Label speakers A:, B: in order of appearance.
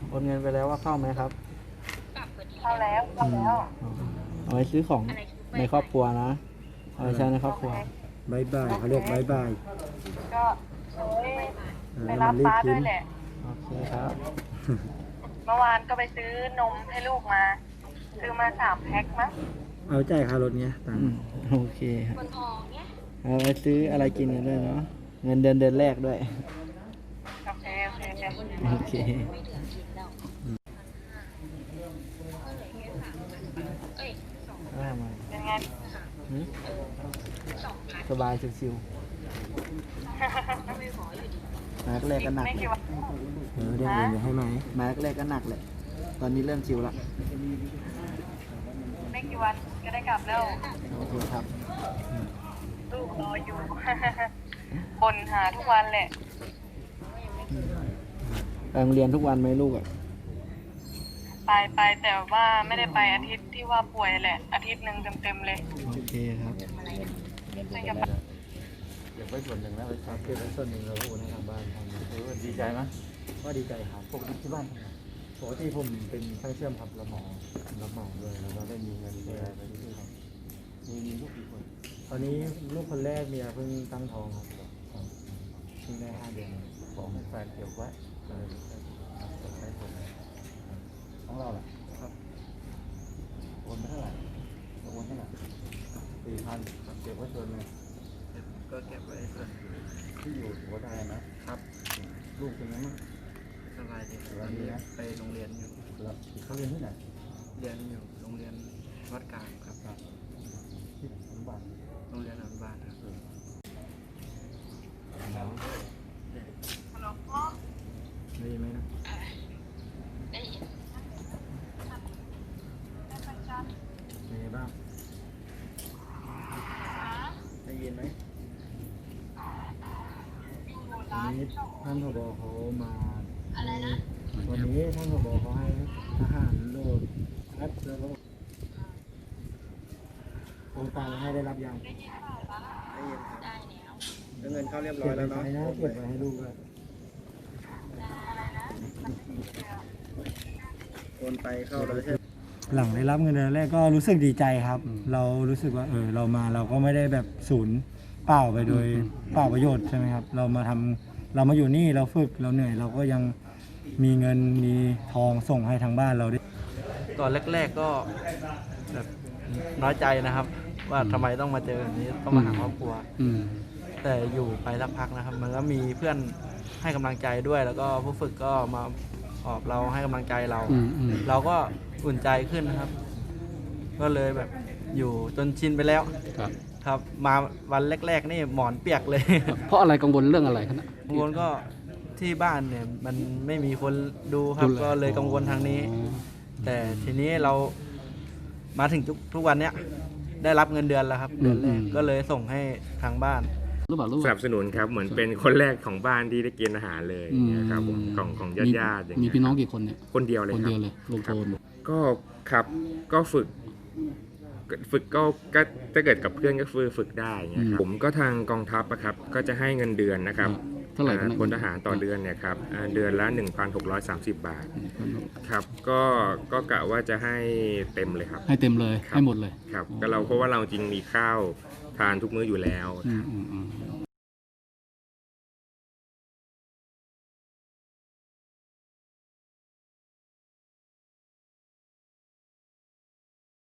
A: โอนเงินไปแล้วว่าเข้าไหมครับ
B: เข้าแล้ว
A: อ๋อเอาไว้ซื้อของในครอบครัวนะเอาไว้ใช้ในครอบครัว
C: บายบายเขาเรียกบายบาย
B: ก็ไปรับป้าด้วยแหละ
A: โอเคครับ
B: เมื่อวานก็ไปซื้อนมให้ลูกมา ซื้อมา3 แพ็คมั้ง
C: เอาใจค่ารถเนี้ยตังค์
A: โอเคครับเอาไปซื้ออะไรกินกันด้วยเนาะเงินเดือนแรกด้วย
B: โอเคโอเค
A: โอเคได้มา
B: เป็นไง
A: หืมสบายชิวๆมาแรกก็หนัก
B: ไม่กี่วัน
C: เดี๋ยวเงินจะให้ไหม
A: มาแรกก็หนักแหละตอนนี้เริ่มชิวละ
B: ไม่กี่วันก็ได้กลับแล้ว
A: โอเคครับ
B: ลูกรออยู่ บ่นหาทุกวันแหละ
A: ไปโรงเรียนทุกวันไหมลูกอ่ะ
B: ไปแต่ว่าไม่ได้ไปอาทิตย์ที่ว่าป่วยแหละ อาทิตย์หนึ่งเต็มๆเลย
A: โอเคครับ
B: ซึ่งจะไป
D: เก็บไว้ส่วนหนึ่งแล้วไปทำเก็บไว้ส่วนหนึ่งเราโอนให้ทางบ้านทำดีใจไหม
C: ก็ดีใจครับ
D: ปกติที่บ้านทำไงปกติผมเป็นช่างเชื่อมครับรับเหมาด้วยแล้วก็ได้มีเงินช่วยอะไรไปด้วยครับมีลูกกี่คน
C: ตอนนี้ลูกคนแรกเมียเพิ่งตั้งท้องครับเพิ่งได้5 เดือน
D: บอกให้แฟนเก็บไว้ใช้ผมของเราล่ะครับโอนไปเท่าไหร่โอนเท่าไหร่4,000ครับเก็บไว้ส่วนหนึ่ง
A: ก็เก็บไว้ส่วน
D: ที่อยู่หัวใจนะครับ ลูกเป็นไงบ้าง
A: สบายดี
D: สบายดีนะ
A: ไปโรงเรียนอยู่
D: แล้วเขาเรียนที่ไหน
A: เรียนอยู่โรงเรียนวัดกลางครับ
D: ที่อนุบาล
A: โรงเรียนอนุบาลครับ
C: ดีไหมนะ
D: เป็นไงบ้าง
A: ได้ยินไหม
C: วันนี้ท่านผบเขามาวันนี้ท่านผบเขาให้ทหารโหลดแอปแล้วก็โอนตังค์ให้ได้รับยัง
A: ได้ยินครับแล้วเงินเข้าเรียบร้อยแล้วเนาะ
C: เก็บไว้ให้ลูกด้วย
A: โอนไปเข้าแล้วใช่ไหม
C: หลังได้รับเงินเดือนแรกก็รู้สึกดีใจครับ เรารู้สึกว่าเรามาเราก็ไม่ได้แบบศูนย์เปล่าไปโดยเปล่าประโยชน์ใช่ไหมครับ เรามาอยู่นี่เราฝึกเราเหนื่อยเราก็ยังมีเงินมีทองส่งให้ทางบ้านเราด้วย
A: ตอนแรกๆก็แบบน้อยใจนะครับ ว่าทำไมต้องมาเจอแบบนี้ต้องมาหาครอบครัวแต่อยู่ไปสักพักนะครับ มันก็มีเพื่อนให้กำลังใจด้วย แล้วก็ผู้ฝึกก็มาออบเราให้กำลังใจเรา เราก็อุ่นใจขึ้นนะครับ ก็เลยแบบอยู่จนชินไปแล้ว
E: ครับ
A: ครับ มาวันแรกๆนี่หมอนเปียกเลย
E: เพราะอะไรกังวลเรื่องอะไรครับ
A: กังวลก็ที่บ้านเนี่ยมันไม่มีคนดูครับ ก็เลยกังวลทางนี้ แต่ทีนี้เรามาถึงทุกวันเนี้ยได้รับเงินเดือนแล้วครับเดือนแรกก็เลยส่งให้ทางบ้าน
E: รู้เปล่ารู้
F: สนับสนุนครับเหมือนเป็นคนแรกของบ้านที่ได้กินอาหารเลยนะครับผมของญาติๆอย่าง
E: มี
F: เงี้ย
E: พี่น้องกี่คนเนี่ย
F: คนเดียวเลย
E: คน
F: ครั
E: เดียว
F: บ
E: เลยลงโทน
F: ก็ครับก็ฝึกก็ถ้าเกิดกับเพื่อนก็ฝึกได้เงี้ยครับผมก็ทางกองทัพอะครับก็จะให้เงินเดือนนะครับ
E: เท่าไหร่นะ
F: พลทหารต่อเดือนเนี่ยครับเดือนละ 1,630 บาทครับก็กะว่าจะให้เต็มเลยครับ
E: ให้เต็มเลย
F: ครับ
E: ให้หมดเลย
F: ครับก็เราเพราะว่าเราจริงมีข้าวทานทุกมื้ออยู่แล้ว
E: อืมอืมอืม